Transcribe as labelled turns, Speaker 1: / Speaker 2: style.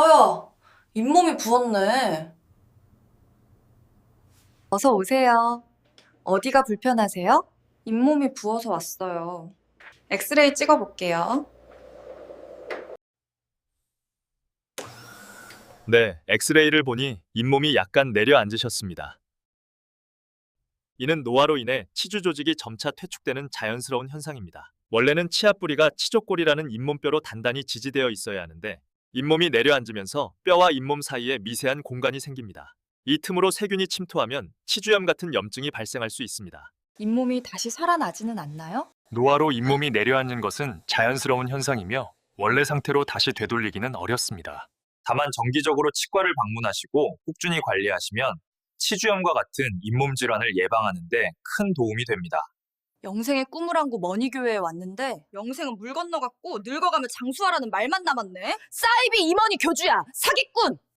Speaker 1: 아야, 잇몸이 부었네.
Speaker 2: 어서 오세요. 어디가 불편하세요?
Speaker 1: 잇몸이 부어서 왔어요. 엑스레이 찍어볼게요.
Speaker 3: 네, 엑스레이를 보니 잇몸이 약간 내려앉으셨습니다. 이는 노화로 인해 치주 조직이 점차 퇴축되는 자연스러운 현상입니다. 원래는 치아 뿌리가 치조골이라는 잇몸뼈로 단단히 지지되어 있어야 하는데 잇몸이 내려앉으면서 뼈와 잇몸 사이에 미세한 공간이 생깁니다. 이 틈으로 세균이 침투하면 치주염 같은 염증이 발생할 수 있습니다.
Speaker 2: 잇몸이 다시 살아나지는 않나요?
Speaker 3: 노화로 잇몸이 내려앉는 것은 자연스러운 현상이며 원래 상태로 다시 되돌리기는 어렵습니다. 다만 정기적으로 치과를 방문하시고 꾸준히 관리하시면 치주염과 같은 잇몸 질환을 예방하는 데 큰 도움이 됩니다.
Speaker 2: 영생의 꿈을 안고 머니교회에 왔는데
Speaker 1: 영생은 물 건너갔고 늙어가면 장수하라는 말만 남았네.
Speaker 2: 사이비 임원이 교주야! 사기꾼!